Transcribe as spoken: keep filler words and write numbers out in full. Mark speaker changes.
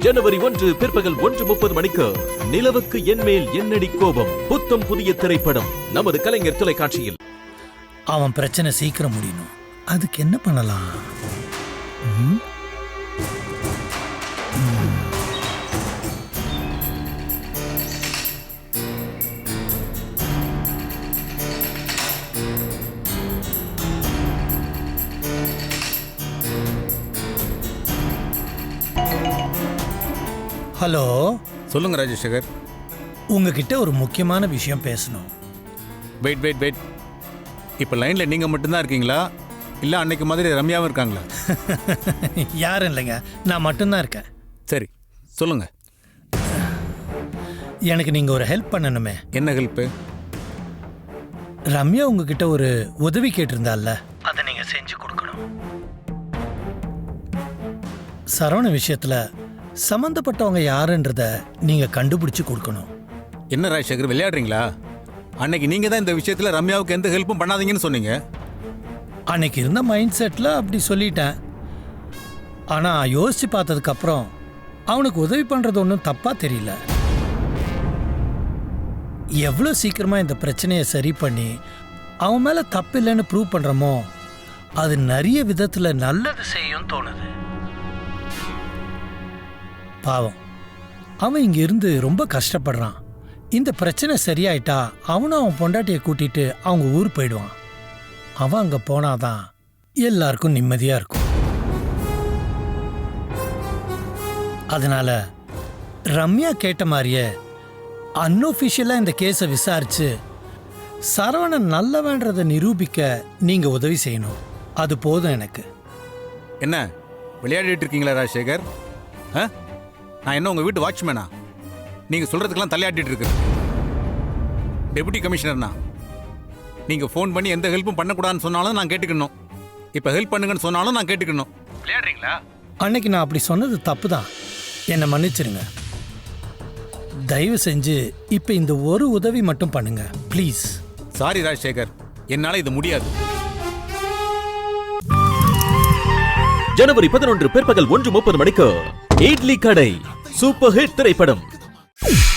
Speaker 1: ஜனவரி ஒன்று பிற்பகல் ஒன்று முப்பது மணிக்கு நிலவுக்கு என்மேல் என்னடி கோபம் புத்தம் புதிய திரைப்படம் நமது கலைஞர் தொலைக்காட்சியில்.
Speaker 2: அவன் பிரச்சனை சீக்கிரம் முடியணும். அதுக்கு என்ன பண்ணலாம்? ம்? ம். ஹலோ,
Speaker 3: சொல்லுங்க ராஜசேகர்.
Speaker 2: உங்ககிட்ட ஒரு முக்கியமான விஷயம் பேசணும்.
Speaker 3: வெயிட் வெயிட் வெயிட் இப்போ லைனில் நீங்கள் மட்டும்தான் இருக்கீங்களா இல்லை அன்னைக்கு மாதிரி ரம்யாவும் இருக்காங்களா?
Speaker 2: யாரும் இல்லைங்க, நான் மட்டும்தான் இருக்கேன்.
Speaker 3: சரி சொல்லுங்க.
Speaker 2: எனக்கு நீங்கள் ஒரு ஹெல்ப் பண்ணணுமே.
Speaker 3: என்ன ஹெல்ப்பு?
Speaker 2: ரம்யா உங்ககிட்ட ஒரு உதவி கேட்டிருந்தால, அதை நீங்கள் செஞ்சு கொடுக்கணும். சரவண விஷயத்தில் சம்மந்தப்பட்டவங்க யாருன்றத நீங்கள் கண்டுபிடிச்சு கொடுக்கணும்.
Speaker 3: என்ன ராஜசேகர் விளையாடுறீங்களா? அன்னைக்கு நீங்கள் தான் இந்த விஷயத்தில் ரம்யாவுக்கு எந்த ஹெல்ப்பும் பண்ணாதீங்கன்னு சொன்னீங்க.
Speaker 2: அன்னைக்கு இருந்த மைண்ட் செட்டில் அப்படி சொல்லிட்டேன். ஆனால் யோசித்து பார்த்ததுக்கப்புறம் அவனுக்கு உதவி பண்ணுறது ஒன்றும் தப்பாக தெரியல. எவ்வளோ சீக்கிரமாக இந்த பிரச்சனையை சரி பண்ணி அவன் மேலே தப்பு இல்லைன்னு ப்ரூவ் பண்ணுறோமோ அது நிறைய விதத்தில் நல்லது செய்யும் தோணுது. பாவம், அவன் இங்க இருந்து ரொம்ப கஷ்டப்படுறான். இந்த பிரச்சனை சரியாயிட்டா அவனும் அவன் பொண்டாட்டியை கூட்டிட்டு அவங்க ஊர் போயிடுவான். அவன் அங்க போனாதான் எல்லாருக்கும் நிம்மதியா இருக்கும். அதனால ரம்யா கேட்ட மாதிரியே அன்ஒஃபிஷியலா இந்த கேஸை விசாரிச்சு சரவணன் நல்லவன்றதை நிரூபிக்க நீங்க உதவி செய்யணும். அது போதும் எனக்கு.
Speaker 3: என்ன விளையாடிட்டு இருக்கீங்களா ராஜசேகர்? ஆ, நான் என்ன உங்கள் வீட்டு வாட்ச்மேனா? நீங்கள் சொல்கிறதுக்கெல்லாம் தலையாட்டிட்டு இருக்கு. டெபுட்டி கமிஷனர்னா நீங்கள் ஃபோன் பண்ணி எந்த ஹெல்ப்பும் பண்ணக்கூடாதுன்னு சொன்னாலும் நான் கேட்டுக்கணும். இப்போ ஹெல்ப் பண்ணுங்கன்னு சொன்னாலும் நான் கேட்டுக்கணும். விளையாடுறீங்களா?
Speaker 2: அன்னைக்கு நான் அப்படி சொன்னது தப்பு தான், என்னை மன்னிச்சிருங்க. தயவு செஞ்சு இப்போ இந்த ஒரு உதவி மட்டும் பண்ணுங்க ப்ளீஸ்.
Speaker 3: சாரி ராஜசேகர், என்னால் இது முடியாது.
Speaker 1: ஜனவரி பதினொன்று பிற்பகல் ஒன்று முப்பது மணிக்கு இட்லி கடை சூப்பர் ஹிட் திரைப்படம்.